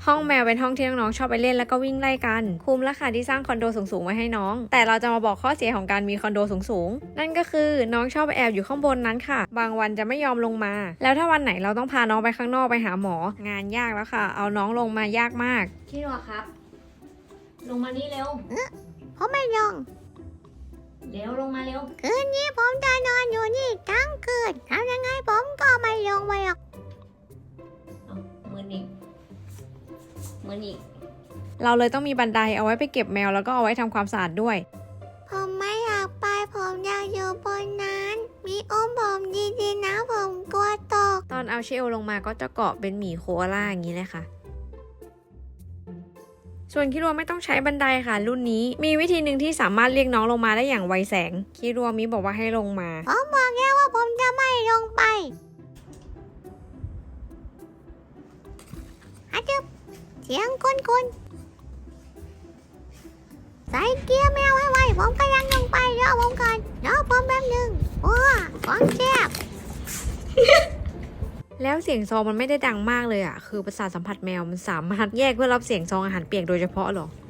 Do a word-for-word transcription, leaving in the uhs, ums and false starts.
ห้องแมวเป็นห้องที่น้องๆชอบไปเล่นแล้วก็วิ่งไล่กันคุ้มแล้วค่ะที่สร้างคอนโดสูงๆไว้ให้น้องแต่เราจะมาบอกข้อเสียของการมีคอนโดสูงๆนั่นก็คือน้องชอบไปแอบอยู่ข้างบนนั้นค่ะบางวันจะไม่ยอมลงมาแล้วถ้าวันไหนเราต้องพาน้องไปข้างนอกไปหาหมองานยากแล้วค่ะเอาน้องลงมายากมากพี่รัวครับลงมานี่เร็วผมไม่ลงเร็วลงมาเร็วคืนนี้ผมจะนอนอยู่นี่ทั้งคืนทำยังไงผมก็ไม่ลงไปหรอกมืออีกมืออีกเราเลยต้องมีบันไดเอาไว้ไปเก็บแมวแล้วก็เอาไว้ทำความสะอาดด้วยผมไม่อยากไปผมอยากอยู่บนนั้นมีอุ้มผมดีๆนะผมกลัวตกตอนเอาเชลลงมาก็จะเกาะเป็นหมีโคอาล่าอย่างนี้เลยค่ะส่วนคิรัวไม่ต้องใช้บันไดค่ะรุ่นนี้มีวิธีหนึ่งที่สามารถเรียกน้องลงมาได้อย่างไวแสงคิรัวมิบอกว่าให้ลงมาผมบอกแล้วว่าผมจะไม่ลงไปอาจึบเสียงคุ้นๆใส่เกียร์แมวไว้ๆผมกำลังลงไปรอผมก่อนรอผมแป๊บนึงว้าของแซ่บแล้วเสียงซองมันไม่ได้ดังมากเลยอ่ะคือประสาทสัมผัสแมวมันสามารถแยกเพื่อรับเสียงซองอาหารเปียกโดยเฉพาะหรอ